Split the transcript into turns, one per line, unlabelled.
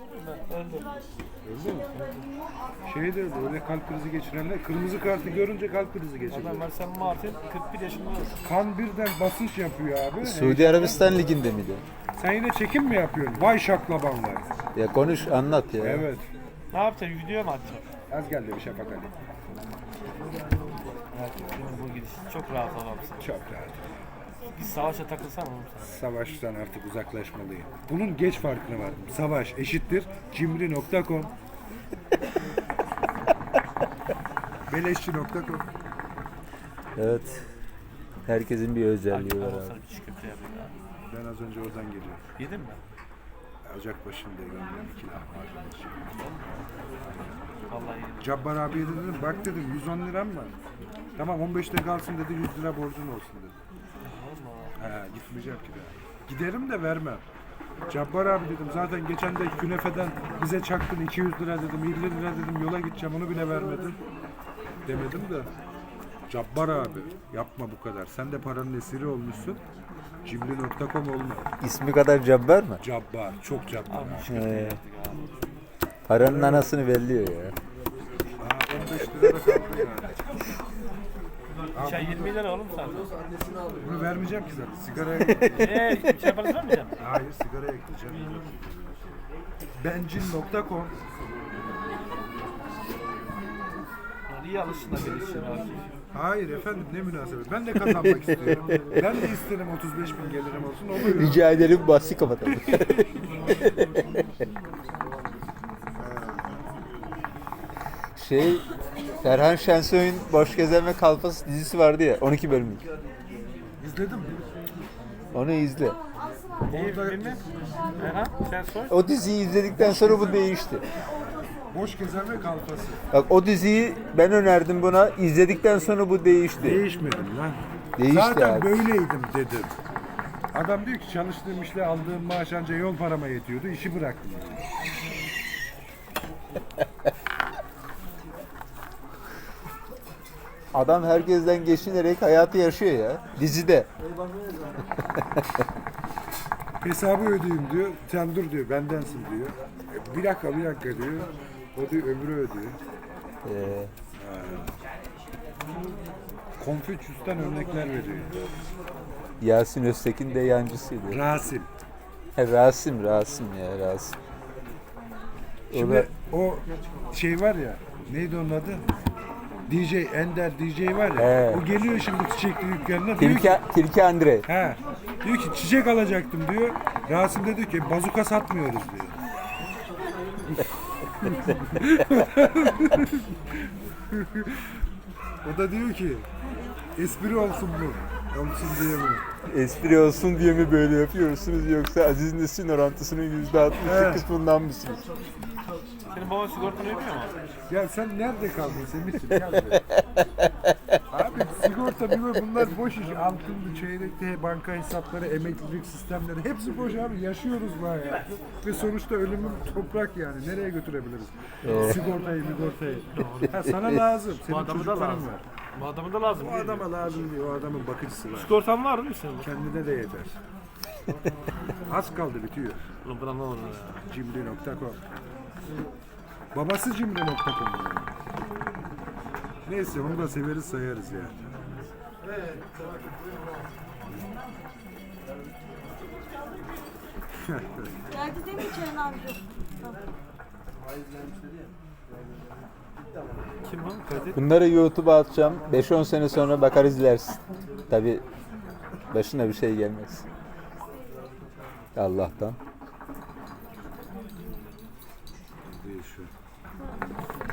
Öldü.
Öldü mü? Şey de öyle kalp krizi geçirenler kırmızı kartı görünce kalp krizi geçiriyor.
Adam Marcel Martin 41 yaşında oldu.
Kan birden basınç yapıyor abi.
Suudi Arabistan liginde miydi?
Sen yine çekim mi yapıyorsun? Vay şaklabanlar.
Ya konuş anlat ya.
Evet.
Ne yapacaksın? Video mu atacaksın?
Az geldi bir Şafak Ali.
Evet, bu gidiş çok rahat adamsın.
Çok rahat.
Biz savaşa takılsam oğlum sen.
Savaştan artık uzaklaşmalıyım. Bunun geç farkına vardım. Savaş eşittir cimri.com Beleşçi.com.
Evet. Herkesin bir özelliği var
Olsa
abi.
bir çiğ köfte yapayım ya.
Ben az önce oradan geliyorum.
Yedin mi?
Ocakbaşı'nda gördüm 2 lahmacun.
Vallahi yedim.
Cabbar abiye dedim bak dedim 110 liram var. Tamam 15'te kalsın dedi 100 lira borcun olsun dedi.
Allah.
He gitmeyeceğim ki daha. Giderim de vermem. Cabbar abi dedim zaten geçen de künefeden bize çaktın 200 lira dedim 50 lira dedim yola gideceğim onu bile vermedin. Demedim de. Cabbar abi yapma bu kadar. Sen de paranın esiri olmuşsun. Cimri.com olma.
İsmi kadar cabbar mı?
Cabbar. Çok cabbar.
Abi çiğ köfte yaptık abi.
Paranın anasını belliyor ya.
Aa, 15 lira da kaldı yani.
Çay 20 lira oğlum zaten.
Bunu vermeyeceğim ki zaten. Sigaraya
Bir şey yaparız mı hocam?
Hayır sigaraya ekleyeceğim. Bencil.com
İyi alışsın da bir işin abi.
Hayır efendim ne münasebet. Ben de kazanmak istiyorum. Ben de isterim 35 bin gelirim olsun. Oluyor.
Rica ederim bahsi kapatalım. Ferhan Şensoy'un Boş Gezen ve Kalfas dizisi vardı ya 12 bölümlük.
İzledin mi?
Onu izle.
İyi film mi? Aha, sen sor.
O diziyi izledikten sonra bu değişti.
Boş gezen ve kalfası.
Bak o diziyi ben önerdim buna. İzledikten sonra bu değişti.
Değişmedim lan.
Değişti
Zaten
abi.
böyleydim dedim. Adam diyor ki çalıştığım işle aldığım maaş anca yol parama yetiyordu. İşi bıraktım.
Adam herkesten geçinerek hayatı yaşıyor ya. Dizide.
Hesabı ödeyeyim diyor. Sen dur diyor bendensin diyor. Bir dakika diyor. O diyor öbürü ödüyor.
Ee,
Konfüçyüs'ten örnekler veriyor.
Yasin Öztekin de yancısıydı.
Rasim.
Rasim ya Rasim. O
Şimdi
da
o şey var ya, neydi onun adı? DJ, Ender DJ var ya,
He.
o geliyor şimdi çiçekli dükkanına diyor ki,
Tilki Andre.
diyor ki çiçek alacaktım diyor. Rasim de diyor ki bazuka satmıyoruz diyor. O da diyor ki espri olsun bu. Olsun diye mi?
Espri olsun diye mi böyle yapıyorsunuz yoksa Aziz Nesin orantısının %60
Evet.
kısmından mısınız?
Senin baban sigortanı ödüyor mu?
Ya sen nerede kaldın Semih'ciğim? Gel be. Abi sigorta bunlar boş iş. Altınlı, çeyrekli, banka hesapları, emeklilik sistemleri hepsi boş abi. Yaşıyoruz bu hayatı. Ve sonuçta ölümün toprak yani. Nereye götürebiliriz? Sigortayı. Ha, sana lazım.
Bu
Senin
adamı da
çocukların
lazım.
var.
Bu adamı da lazım.
O adama lazım diyor. O adamın bakıcısı var.
Sigortan var mı senin?
Kendine de yeter. Az kaldı bitiyor.
Oğlum buna ne olur ya?
Cimri.com Babası Cimri.com Neyse onu da severiz sayarız yani.
Geldi değil mi Ceren abicim?
Kim bu? Kadir.
Bunları YouTube'a atacağım. 5-10 sene sonra bakar izlersin. Tabi başına bir şey gelmez. Allah'tan.
Değil şu.